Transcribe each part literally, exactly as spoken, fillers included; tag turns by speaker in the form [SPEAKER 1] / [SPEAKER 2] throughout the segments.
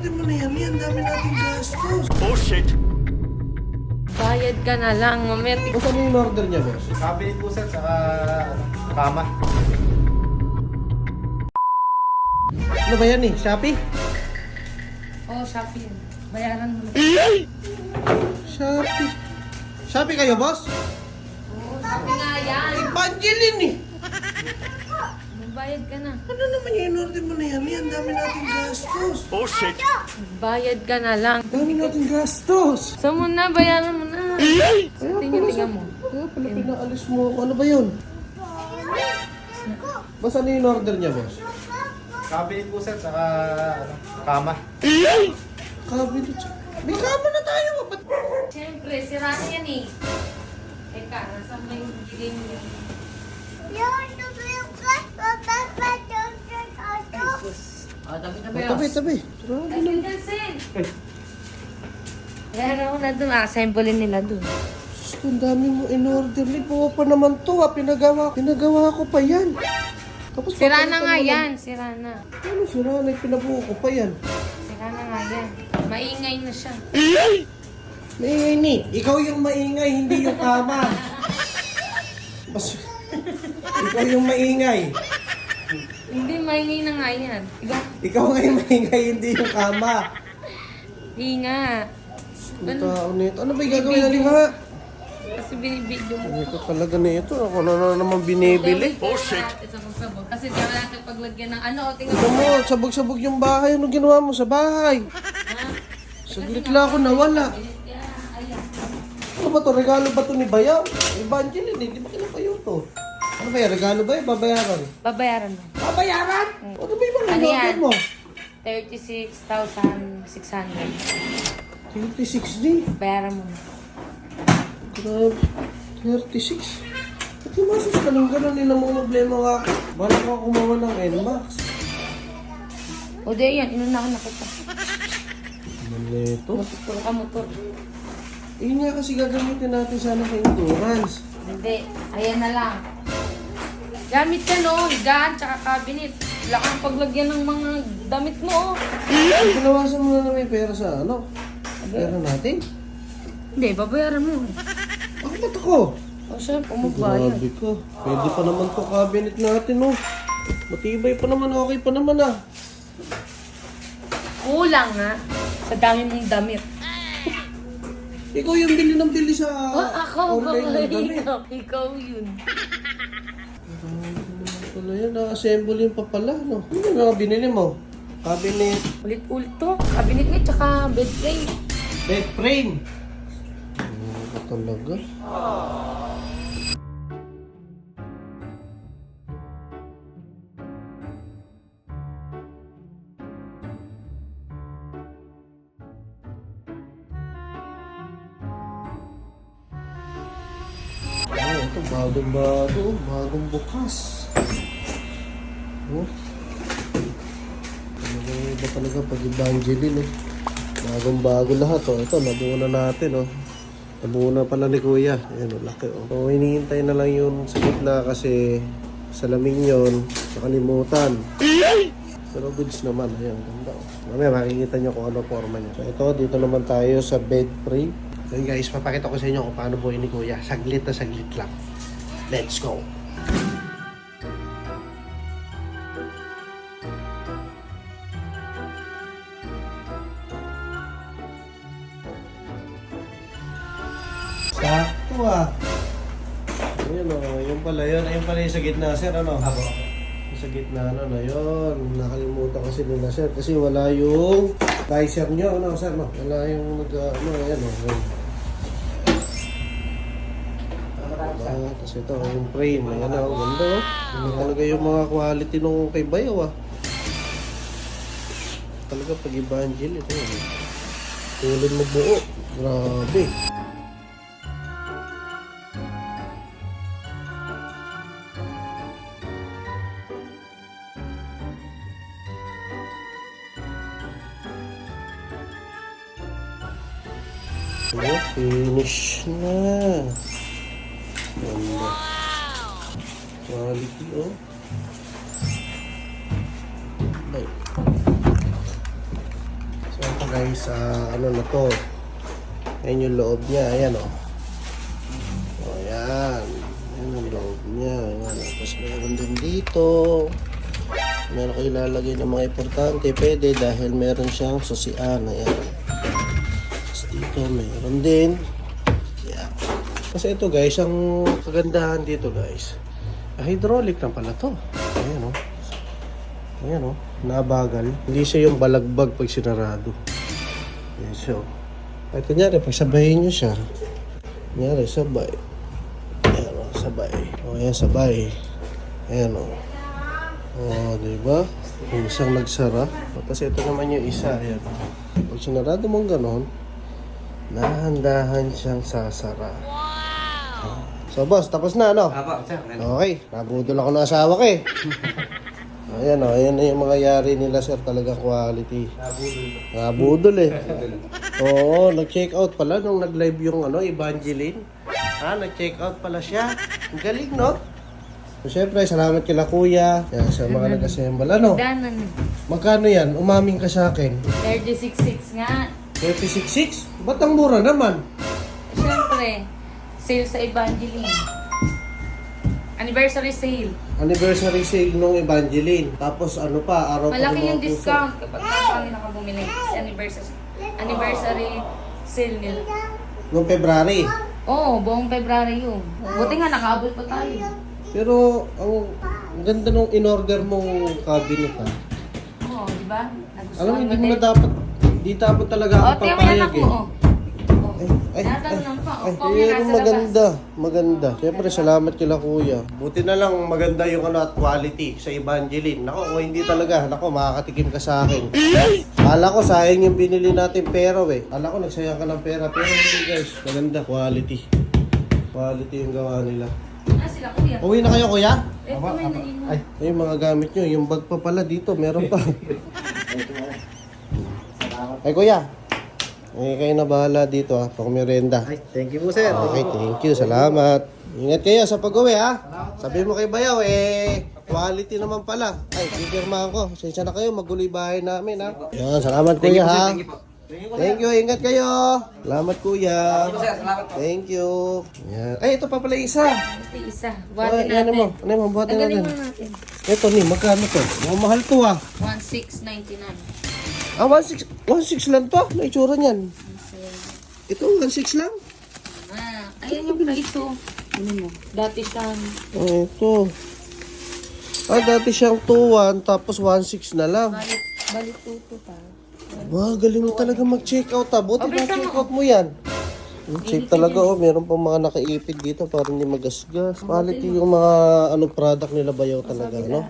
[SPEAKER 1] in-order mo na yan? Yan, dami nating gastos.
[SPEAKER 2] Oh shit!
[SPEAKER 3] Bayad ka na lang, mamaya.
[SPEAKER 1] O saan yung in-order niya, boss?
[SPEAKER 4] Cabinet po sir, saka ano, kama.
[SPEAKER 1] Ano ba yan eh? Shopee?
[SPEAKER 3] Oh, Shopee. Bayaran mo.
[SPEAKER 1] Shopee. Shopee kayo, boss?
[SPEAKER 3] Oo, Shopee nga yan.
[SPEAKER 1] Evangeline eh.
[SPEAKER 3] Bayad ka na.
[SPEAKER 1] Ano naman yung in-order mo na yan? Yan, dami nating gastos.
[SPEAKER 2] Oh shit!
[SPEAKER 3] Bayad ka na lang.
[SPEAKER 1] Dami nating gastos.
[SPEAKER 3] Saan mo na? Bayaran mo na.
[SPEAKER 1] Kaya
[SPEAKER 3] Tingnan, tingnan mo.
[SPEAKER 1] Kaya pala pinaalis mo ako. Ano ba yun? Boss, ano yung in-order niya, boss?
[SPEAKER 4] Cabinet po sir, saka ano, kama.
[SPEAKER 1] Cabinet. May kama na tayo. Ba't?
[SPEAKER 3] Siyempre, sira na yan eh. Teka, nasa may bigay mo yan. Oh, tabi na ba yun?
[SPEAKER 1] Tabi, tabi. Grabe
[SPEAKER 3] Ay,
[SPEAKER 1] naman.
[SPEAKER 3] Vincent! Bayaran mo na dun. Assemble nila dun.
[SPEAKER 1] Diyos ko, ang dami mo in-order. Lipo pa naman to, ha. Pinagawa, pinagawa ko pa yan. Tapos
[SPEAKER 3] Sira na
[SPEAKER 1] papalitan
[SPEAKER 3] nga
[SPEAKER 1] mo lang.
[SPEAKER 3] yan. Sira na.
[SPEAKER 1] Ano sira na? Pinabuo ko pa yan.
[SPEAKER 3] Sira na nga yan. Maingay na siya.
[SPEAKER 1] Maingay ni. Ikaw yung maingay, hindi yung kama. Mas, ikaw yung maingay.
[SPEAKER 3] Hindi, maingay na nga yan. Diba?
[SPEAKER 1] Ikaw nga yung maingay, hindi yung kama.
[SPEAKER 3] Hindi nga.
[SPEAKER 1] Ang tao nito. Ano ba yung gagawin natin ha?
[SPEAKER 3] Kasi binibidyo mo.
[SPEAKER 1] Ito talaga na ito. Ako na, na naman binibili.
[SPEAKER 3] Oh, shit! Sabog-sabog. Kasi di ba natin paglagyan ng ano, o tingnan
[SPEAKER 1] Ito
[SPEAKER 3] mo.
[SPEAKER 1] mo, sabog-sabog yung bahay. Ano ginawa mo sa bahay?
[SPEAKER 3] Ha?
[SPEAKER 1] Saglit lang ako nawala.
[SPEAKER 3] Kaya, ayan.
[SPEAKER 1] Ano ba to? Regalo ba to ni Bayaw? Evangeline eh. Di ba kinapayo to? Ano ba yan? Regalo ba yun? Babayaran?
[SPEAKER 3] Babayaran mo.
[SPEAKER 1] Babayaran? Ano ba yung mga
[SPEAKER 3] Ano
[SPEAKER 1] in-order
[SPEAKER 3] yan?
[SPEAKER 1] mo?
[SPEAKER 3] thirty-six thousand six hundred.
[SPEAKER 1] thirty-six D.
[SPEAKER 3] Bayaran mo.
[SPEAKER 1] Grabe. thirty-six. Ba't yung masos ka ng gano'n? Hindi na mga problema ka. Balik ako kumawa ng N MAX.
[SPEAKER 3] O di yan, inunahan na kita.
[SPEAKER 1] Ano ito?
[SPEAKER 3] Motor ka, motor.
[SPEAKER 1] Yun nga kasi gagamitin natin sana sa endurance.
[SPEAKER 3] Hindi, ayan na lang. Gamit ka no, higaan, tsaka cabinet. Wala kang paglagyan ng mga damit mo.
[SPEAKER 1] Ay, pinawasan mo na na may pera sa ano? Pera natin?
[SPEAKER 3] Hindi, babayaran mo.
[SPEAKER 1] Ako ba't ako?
[SPEAKER 3] O siya, pumagbayad.
[SPEAKER 1] Grabe ka. Pwede pa naman to cabinet natin, oh. Matibay pa naman, okay pa naman, ah.
[SPEAKER 3] Kulang nga sa dami mong damit.
[SPEAKER 1] Ikaw yung bili ng bili sa
[SPEAKER 3] Oh, ako,
[SPEAKER 1] online ng damit.
[SPEAKER 3] ikaw, ikaw yun.
[SPEAKER 1] Wala yan, na-assemble yung pa pala, no? Ano yung mga binili mo? Cabinet,
[SPEAKER 3] Ulit-ulit to. Cabinet niya, tsaka bed frame.
[SPEAKER 1] bed frame. Ano ba talaga? Oh, ito bagong bago, bagong bukas. Oh. Ano ba iba talaga pag Evangeline, eh. Bagong bago lahat, oh. Ito, nabuo na natin, oh. Nabuo na pala ni Kuya. Ayan, oh, laki, oh. So, hinihintay na lang yung sa gitna kasi salamin yun, nakalimutan. Pero goods naman, ayan, ganda, oh. Mamaya makikita nyo kung ano forma niya. So, ito, dito naman tayo sa bed frame. So guys, papakita ko sa inyo kung paano buhay ni Kuya. Saglit na saglit lang. Let's go! Sakto ah! Ayun o, oh, yung pala yun. Ayun pala yung sa gitna, sir, ano? Ako. Yung sa gitna, ano na yun. Nakalimutan kasi nila, sir. Kasi wala yung visor nyo, ano, sir, no? Wala yung nag, ano, ayan o. Oh, Ah, tapos ito, yung frame. Ayan o, ganda o. Ano talaga yung mga quality nung kay Bayaw ah. Talaga pag Evangel, ito yun. Tulad mo buo. Grabe. Oh, finish na. Ganda. Quality, oh. Bye. So, guys sa ano na to. Ayan yung loob niya. Ayan o. Oh. O yan. Ayan yung loob niya. Ayan. Tapos meron din dito. Meron kayo ilalagay ng mga importante. Pwede dahil meron siyang susian. Ayan. Tapos dito meron din. Ayan. Kasi ito guys, ang kagandahan dito guys, ah, hydraulic lang pala to. Ayan o. Ayan o. Nabagal. Hindi siya yung balagbag pag sinarado. Ayan siya o. Ay, kunyari, pag sabayin nyo siya. Kunyari, sabay. Ayan o, sabay. O, ayan, sabay. Ayan o. O, diba? Yung isang nagsara. O, tapos ito naman yung isa. Ayan. Pag sinarado mong ganon, dahan-dahan siyang sasara. Wow! So, boss, tapos na, ano?
[SPEAKER 4] Apo, sir.
[SPEAKER 1] Okay, nabudol ako ng asawa ko eh. Ayan o, ayan na yung mga yari nila sir, talaga quality.
[SPEAKER 4] Nabudol.
[SPEAKER 1] Nabudol eh. Oo, nag-check out pala nung nag-live yung ano, Evangeline. Ha, nag-check out pala siya. Ang galing, no? So, syempre, salamat kila kuya. Yan, sa mga nag-assemble. Ano?
[SPEAKER 3] Danan.
[SPEAKER 1] Magkano yan? Umaming ka sa akin.
[SPEAKER 3] thirty-six six nga.
[SPEAKER 1] thirty-six six? Ba't ang mura naman?
[SPEAKER 3] Siyempre, sale sa Evangeline. Anniversary sale.
[SPEAKER 1] Anniversary sale nung Evangeline. Tapos ano pa, araw pa ng
[SPEAKER 3] Malaki
[SPEAKER 1] mga
[SPEAKER 3] yung
[SPEAKER 1] puso.
[SPEAKER 3] discount kapag nasa kanila ka bumili. Kasi anniversary, anniversary sale nila.
[SPEAKER 1] Nung February.
[SPEAKER 3] Oo, buong February yun. Buti nga, nakaabot pa tayo.
[SPEAKER 1] Pero ang ang ganda nung in-order mong cabinet ha.
[SPEAKER 3] Oo, di ba?
[SPEAKER 1] Alam mo, hindi mo na dapat, hindi dapat talaga
[SPEAKER 3] Oo,
[SPEAKER 1] ako
[SPEAKER 3] tingnan mo yan
[SPEAKER 1] papayag
[SPEAKER 3] ako.
[SPEAKER 1] eh.
[SPEAKER 3] Oo.
[SPEAKER 1] Ay, ay,
[SPEAKER 3] Tinatanong pa.
[SPEAKER 1] ay,
[SPEAKER 3] Opo, may
[SPEAKER 1] pero
[SPEAKER 3] nasa labas.
[SPEAKER 1] maganda, maganda. Siyempre, salamat kila kuya. Buti na lang maganda yung ano at quality sa Evangeline. Nako, kung hindi talaga, nako, makakatikim ka sa akin. Kala ko, sayang yung binili natin pero eh. Kala ko, nagsayang ka ng pera. Pero hindi guys, maganda, quality. Quality yung gawa nila.
[SPEAKER 3] Ah, sila kuya.
[SPEAKER 1] Uwi na kayo kuya?
[SPEAKER 3] Ito may nainom.
[SPEAKER 1] Ay, ay, yung mga gamit nyo, yung bag pa pala dito, meron pa. Ay kuya, eh, kayo na bahala dito ha, pang merienda.
[SPEAKER 4] Ay, thank you po, sir.
[SPEAKER 1] Okay, thank you, salamat. Ingat kayo sa pag-uwi ha. Sabi mo kay Bayaw, eh, quality naman pala. Ay, pipirmahan ko. Sensya na kayo, magulo yung bahay namin ha. Yan, salamat kuya ha. Thank you, ingat kayo. Salamat kuya. Thank you. Yan. Ay, ito pa pala isa.
[SPEAKER 3] Ito yung isa.
[SPEAKER 1] Ay,
[SPEAKER 3] Buhatin
[SPEAKER 1] ano mo?
[SPEAKER 3] natin.
[SPEAKER 1] Ano mo? Buhatin
[SPEAKER 3] Tanggalin
[SPEAKER 1] natin.
[SPEAKER 3] mo natin.
[SPEAKER 1] Ito ni, magkano to? Mukhang mahal to ah.
[SPEAKER 3] one six ninety-nine.
[SPEAKER 1] Ah, one six, one six lang to. May itsura niyan. Ito, one six lang.
[SPEAKER 3] Ah, ayan yung price oh. Ano mo? Dati siyang
[SPEAKER 1] Oh, ito. Ah, dati siyang two one, tapos one six na lang.
[SPEAKER 3] balik, balik tuto pa.
[SPEAKER 1] Wow, galing mo talaga mag-check out ah. Buti
[SPEAKER 3] Oh, bilisan
[SPEAKER 1] na-check
[SPEAKER 3] mo.
[SPEAKER 1] out mo yan. Yung safe talaga oh, meron pang mga nakaipid dito para hindi magasgas. Quality yung mga ano product nila Bayaw talaga, no?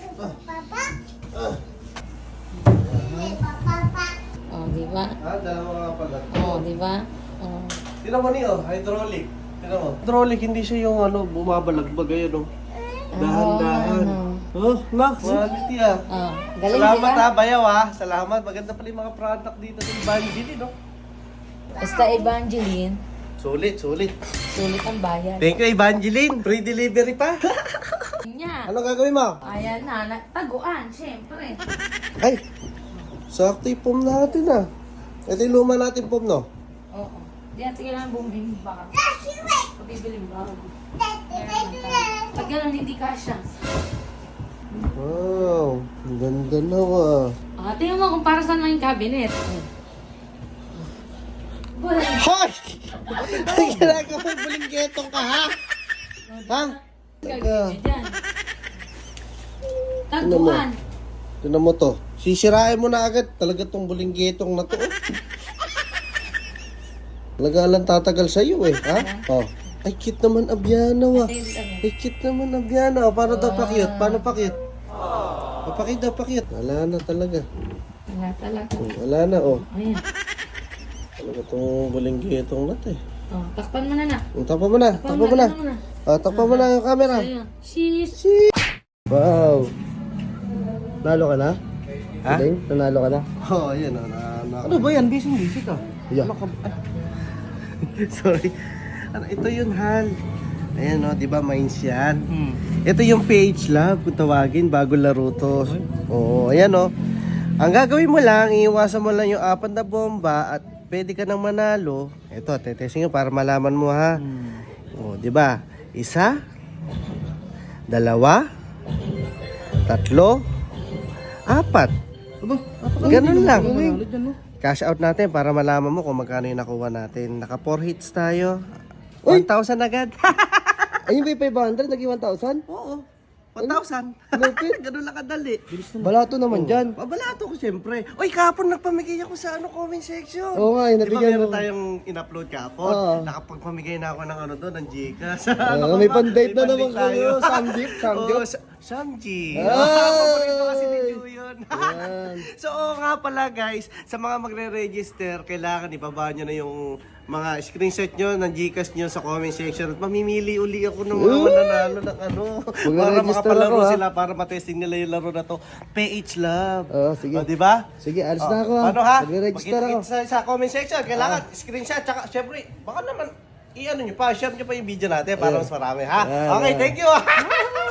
[SPEAKER 3] Oh, di ba?
[SPEAKER 1] Ah, dalawa nga pala.
[SPEAKER 3] Oh, di ba? Oh.
[SPEAKER 1] Tinan mo niyo, hydraulic. Tinan mo. Hydraulic, hindi siya yung ano, bumabalagbag ayun oh. Dahan-dahan. Oh, Max, quality ah.
[SPEAKER 3] Oh, galing
[SPEAKER 1] Salamat
[SPEAKER 3] di ba?
[SPEAKER 1] ha, Bayaw ha. Salamat. Maganda pala yung mga product dito sa Evangeline, no?
[SPEAKER 3] Basta Evangeline,
[SPEAKER 1] Sulit, sulit.
[SPEAKER 3] sulit ang bayan.
[SPEAKER 1] Thank you, Evangeline. Free delivery pa.
[SPEAKER 3] Nya.
[SPEAKER 1] Ano gagawin mo?
[SPEAKER 3] Ayan na, na taguan, syempre.
[SPEAKER 1] Ay, sakto yung pom natin ah. Ito yung luma natin pom, no?
[SPEAKER 3] Oo. Di natin kailangan bumili baka. Pabibili mo bago. Pag gano'n, hindi kasha.
[SPEAKER 1] Wow, ang ganda na ah.
[SPEAKER 3] Ah, tingnan mo kung para saan lang yung cabinet. Wala.
[SPEAKER 1] Hoy! Ay, ginagawa mo bulinggetong ka, ha? Ha? Teka,
[SPEAKER 3] Diyan. Taguan.
[SPEAKER 1] tinan mo to. Sisirain mo na agad. Talaga tong bulinggetong na to. oh. Talaga lang tatagal sa'yo eh, ha? Oh. Ay, cute naman Abiana, wa.
[SPEAKER 3] Ito yung ano.
[SPEAKER 1] Ay, cute naman Abiana. Paano daw pa-cute? Paano pa-cute? Pa-cute daw pa-cute. Wala na talaga.
[SPEAKER 3] Wala talaga.
[SPEAKER 1] Wala na, oh.
[SPEAKER 3] Ayan.
[SPEAKER 1] Talaga tong bulinggetong na to eh.
[SPEAKER 3] Oh, takpan mo na na.
[SPEAKER 1] Takpan mo na, takpan mo na.
[SPEAKER 3] Takpan mo na.
[SPEAKER 1] Ah, takpan mo na yung camera.
[SPEAKER 3] Ayun. Sheesh.
[SPEAKER 1] Wow. Nalo ka na?
[SPEAKER 4] Ha?
[SPEAKER 1] Galing? Nanalo ka na? Oo, oh, yan. Oh, na, na,
[SPEAKER 4] Ano ba yan? Busy-busy ka.
[SPEAKER 1] Yeah.
[SPEAKER 4] Ano ka ba?
[SPEAKER 1] Sorry. Ano, ito yung hal. Ayan o, di ba mines yan?
[SPEAKER 4] Hmm.
[SPEAKER 1] Ito yung page lab kung tawagin bago laro to. Oo, ayan o. Ang gagawin mo lang, iiwasan mo lang yung apat na bomba at pwede ka nang manalo. Ito, tetesting nyo para malaman mo ha. O, di ba? Isa, dalawa, tatlo, apat. Ganun lang. Cash out natin para malaman mo kung magkano yung nakuha natin. Naka four hits tayo. one thousand agad.
[SPEAKER 2] Ayun ba yung five hundred? Naging one thousand?
[SPEAKER 1] Oo. one thousand. Ganun lang kadali.
[SPEAKER 2] Balato naman dyan.
[SPEAKER 1] Pabalato ko siyempre. Uy, kapon nagpamigay ako sa ano comment section.
[SPEAKER 2] Oo nga, eh,
[SPEAKER 1] Di ba
[SPEAKER 2] nabigyan
[SPEAKER 1] meron
[SPEAKER 2] mo.
[SPEAKER 1] tayong in-upload kapon?
[SPEAKER 2] Oo.
[SPEAKER 1] Nakapagpamigay na ako ng ano doon, ng Gcash.
[SPEAKER 2] Ah,
[SPEAKER 1] Ano
[SPEAKER 2] may
[SPEAKER 1] ba?
[SPEAKER 2] pan-date na
[SPEAKER 1] May
[SPEAKER 2] naman
[SPEAKER 1] pan-date tayo.
[SPEAKER 2] kayo. Samjip, samjip.
[SPEAKER 1] Oo, Sa- Samji.
[SPEAKER 2] Ay!
[SPEAKER 1] Paborito kasi ni Ju yun.
[SPEAKER 2] Yan.
[SPEAKER 1] So, oo nga pala guys, sa mga magre-register, kailangan ibaba nyo na yung mga screenshot nyo ng Gcash nyo sa comment section at mamimili uli ako ng mga mananalo ng ano para
[SPEAKER 2] Mag-register
[SPEAKER 1] makapalaro
[SPEAKER 2] ako, ha?
[SPEAKER 1] sila para matesting nila yung laro na to. P H Love.
[SPEAKER 2] Oo, sige.
[SPEAKER 1] O, diba?
[SPEAKER 2] Sige, alis
[SPEAKER 1] Oh,
[SPEAKER 2] na ako ha.
[SPEAKER 1] Paano ha?
[SPEAKER 2] Magre-register ako.
[SPEAKER 1] Magkita-kita sa, sa comment section. Kailangan screenshot. Tsaka syempre, baka naman i-ano nyo pa, share nyo pa yung video natin para mas marami ha.
[SPEAKER 2] Ayan,
[SPEAKER 1] Okay,
[SPEAKER 2] ayan.
[SPEAKER 1] thank you.